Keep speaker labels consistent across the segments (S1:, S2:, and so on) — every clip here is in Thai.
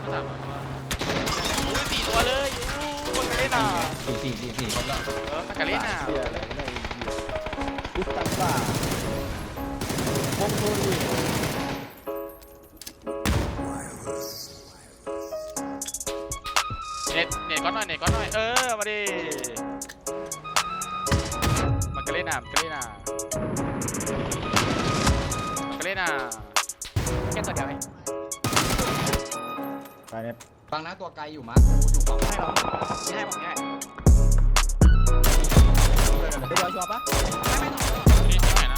S1: 4 ตัวเลยมันกันเล่นอ่ะ
S2: สี่ครบแล้ว
S1: มันกันเล่นอ่ะ
S3: กุสตันบ้าพงโทรี
S1: เน็ตก้อนหน่อยมาดิมันกันเล่นอ่ะแค่ตัวเดียวเอง
S3: ไปเนี่ย
S2: ฟังนะตัวไกลอยู่มั้งกูอยู่ฝั่ง
S1: ให้เราให้ผมให้
S3: เดี๋ยวชัวร์ปะ
S1: นี่ที่ไหนนะ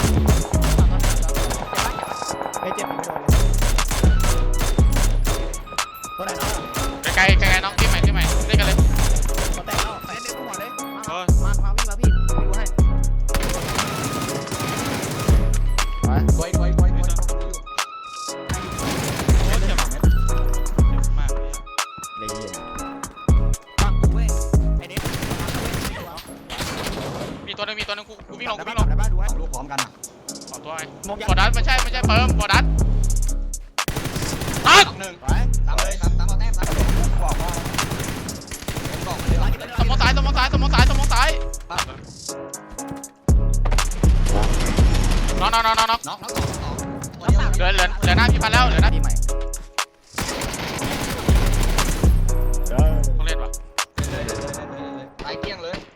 S3: ไม่เจ็บไม่โดนตัวไหนเนาะ
S1: ไกลน้องที่ใหม่เล่นกันเลย
S3: ตัวแตกเนาะเล่นหัวเลยมาพี่ดูให้
S2: ไว้อยู่
S1: เจ็บมาก
S3: เลยเย็น
S4: ฟังกูเว้ยไอเด็ก
S1: มีตัวนึงกูวิ่งลง
S3: ได้ป่ะดูให้
S2: ลูกพร้อมกันอ่ะ
S1: ขอตัวไงบอดัสไม่ใช่เปิมบอดัสตัด
S2: หนึ่ง
S3: ไป
S2: ตามเลยตามเอาแต้มตามบอกว่าผมบอกมันเลยว่า
S1: สมองซ้ายน้อง
S2: น็อกสองตัวเดียว
S1: เหลือหน้าพี่พันแล้วเหลือหน้า
S3: ทีใหม่
S1: ต้องเล่นวะ
S2: เลยไล่เกี้ยงเลย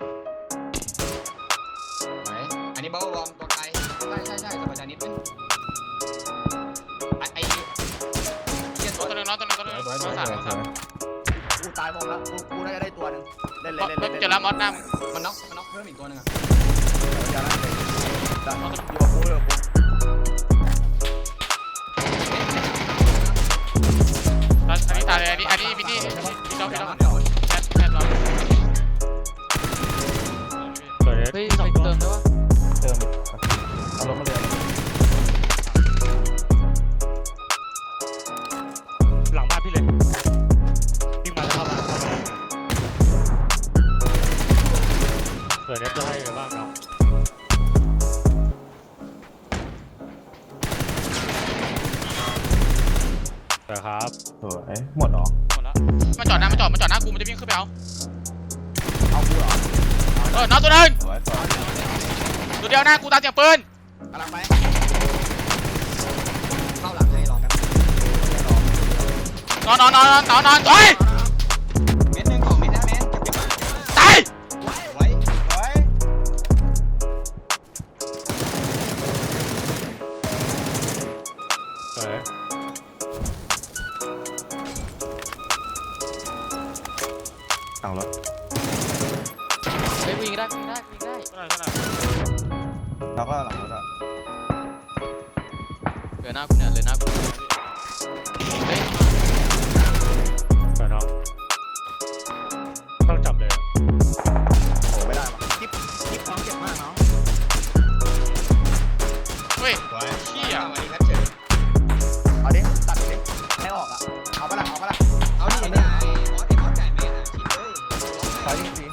S2: ไหนอันนี้เบาบอมตัวไกลใช่สบายใจนิดนึงไอ้เกี้ยง
S1: ตัวนึงน้องสาม
S3: กูตายหมดแล้วกูน่าจะได้ตัวนึงเล่น
S1: เจอแล้วมอสหน้ามึง
S2: มันน็อกเพิ่มอีกตัวนึงอ่ะ
S3: อยู่กับกู
S1: อันนี้ตายเลยอันนี้บินนี่พี่ต้องแค่เรา
S4: เฮ้ย2ตัวเติมได้ปะ
S3: เติมเอาลงมาเลย
S5: หลังบ้านพี่เลยวิ่งมาแล้วเข้ามาเผื่อเน็ตจะให้ไปบ้างเราแต่ครับ
S3: หมดหรอ
S1: หมดแล้วมันจอดหน้ากูมันจะวิ่งขึ้นไปเอา
S3: เอากูเหรอ
S1: น้องตัวนึง
S3: สวย
S1: ตัวเดียวหน้ากูตาเสียงปืน
S3: กำลังไป
S2: เข้าหลังให้รอแป๊บ
S1: นอนเฮ้ย
S2: เม็ดหนึ่งของเม็ดนะเม็ดเก็บมา
S1: ตาย
S2: ไว้
S5: เฮ้ย
S3: สั่งรถ
S4: เฮ้ยวิ่งได้
S3: แล้วก็หลังรถอ่ะ
S4: เหลือหน้ากูเนี่ยเฮ้ย
S5: แต่น้องต้องจับเลย
S3: โอ้ไม่ได้ว่ะกิ๊บของเจ็บมากเนาะ
S1: เฮ้ย
S2: เชี่ยวันนี้ครับเจอ
S3: เอาดิตัดดิให้ออกอ่ะเอาปะล่ะ
S2: เอาดิเนี่ยไอ้มอสไก่แม่ชิดเลย
S3: ไปจริง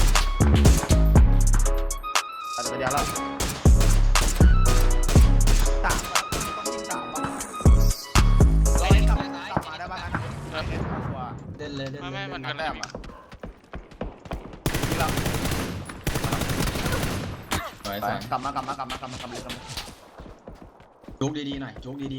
S3: ตัดไปเดียวแล้วสามต้องยิงสามป่ะ
S2: ร้อย
S3: กลับ
S2: ซ้าย
S3: มาได้บ้างนะตัว
S2: เดินเลย
S1: ไม่มันกัน
S3: แต้
S1: ได้
S3: มอ่ะยิงแล้ว
S2: สวย
S3: ไปกลับมาเลย
S2: จุกดีๆหน่อยจุกดี